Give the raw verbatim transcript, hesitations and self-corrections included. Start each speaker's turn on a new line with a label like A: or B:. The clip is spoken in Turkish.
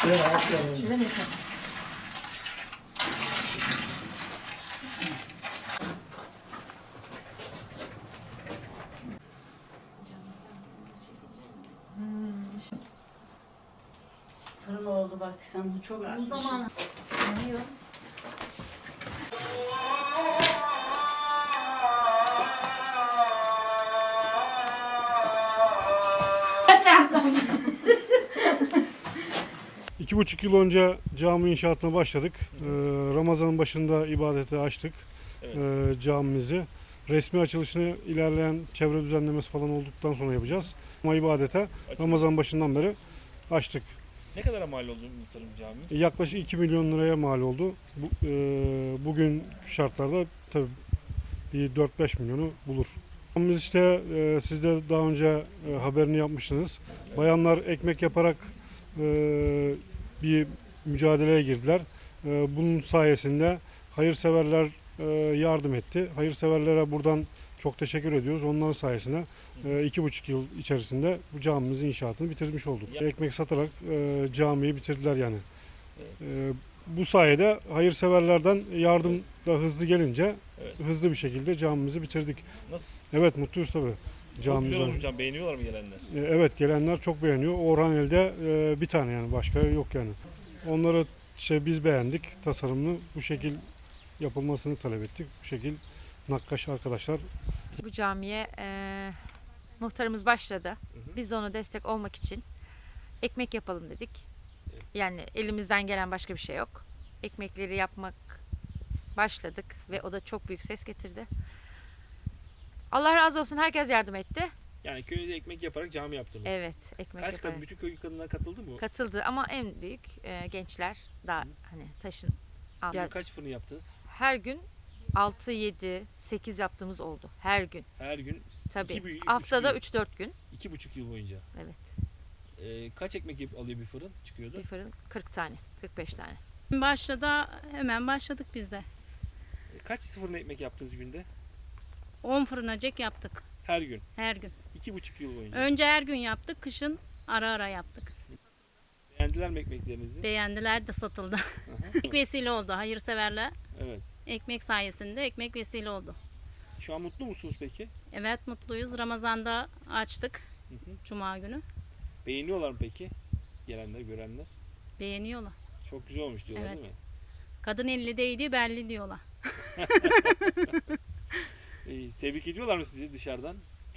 A: Şöyle mi?
B: Fırın oldu bak sen bu çok
A: Bu
B: artmış.
A: zaman yanıyor.
C: İki buçuk yıl önce cami inşaatına başladık. Ee, Ramazan'ın başında ibadete açtık
D: Evet.
C: ee, camimizi. Resmi açılışını ilerleyen çevre düzenlemesi falan olduktan sonra yapacağız. Ama ibadete
D: Açıldı.
C: Ramazan başından beri açtık.
D: Ne kadara mal oldu muhtarım cami?
C: Yaklaşık iki milyon liraya mal oldu. Bu, e, bugün şartlarda tabii bir dört beş milyonu bulur. Biz işte e, siz de daha önce e, haberini yapmıştınız. Bayanlar ekmek yaparak e, bir mücadeleye girdiler. E, bunun sayesinde hayırseverler e, yardım etti. Hayırseverlere buradan çok teşekkür ediyoruz. Onların sayesinde e, iki buçuk yıl içerisinde bu camimizin inşaatını bitirmiş olduk.
D: Ya-
C: Ekmek satarak e, camiyi bitirdiler yani.
D: Evet.
C: E, bu sayede hayırseverlerden yardım da hızlı gelince
D: Evet.
C: hızlı bir şekilde camimizi bitirdik.
D: Nasıl?
C: Evet, mutluyuz tabii.
D: Çok güzel
C: Camimize.
D: olmuş cam. Beğeniyorlar mı gelenler?
C: E, Evet, gelenler çok beğeniyor. Orhaneli'de e, bir tane yani başka yok yani. Onları şey biz beğendik. Tasarımını bu şekil yapılmasını talep ettik. Bu şekil nakkaş arkadaşlar
E: Bu camiye eee, muhtarımız başladı. Biz de ona destek olmak için ekmek yapalım dedik. Yani elimizden gelen başka bir şey yok. Ekmekleri yapmak başladık ve o da çok büyük ses getirdi. Allah razı olsun, herkes yardım etti.
D: Yani köyünüze ekmek yaparak cami yaptınız.
E: Evet, ekmek
D: Kaç
E: yaparak.
D: kadın, bütün köy kadınlar katıldı mı?
E: Katıldı ama en büyük eee, gençler daha hani taşın.
D: Bugün
E: Ya,
D: kaç fırın yaptınız?
E: her gün altı yedi sekiz yaptığımız oldu. Her gün.
D: Her gün
E: Tabii.
D: İki büyük- üç
E: Haftada
D: büyük.
E: üç dört gün.
D: iki buçuk yıl boyunca.
E: Evet.
D: Ee, kaç ekmek yap- alıyor bir fırın çıkıyordu?
E: Bir fırın kırk tane, kırk beş tane.
F: Başladı, hemen başladık biz de.
D: Ee, Kaç fırın ekmek yaptınız günde?
F: on fırınacık yaptık
D: Her gün.
F: her gün.
D: iki buçuk yıl boyunca.
F: Önce her gün yaptık, kışın ara ara yaptık.
D: Beğendiler mi ekmeklerinizi?
F: Beğendiler de satıldı.
D: Aha.
F: Ekmek vesile oldu, hayırseverler.
D: Evet.
F: Ekmek sayesinde ekmek vesile oldu.
D: Şu an mutlu musunuz peki?
F: Evet, mutluyuz. Ramazan'da açtık,
D: Hı hı.
F: Cuma günü.
D: Beğeniyorlar mı peki? Gelenler, görenler.
F: Beğeniyorlar.
D: Çok güzel olmuş diyorlar
F: Evet.
D: değil mi?
F: Kadın elli değdi, belli diyorlar.
D: Ee, tebrik ediyorlar mı sizi dışarıdan?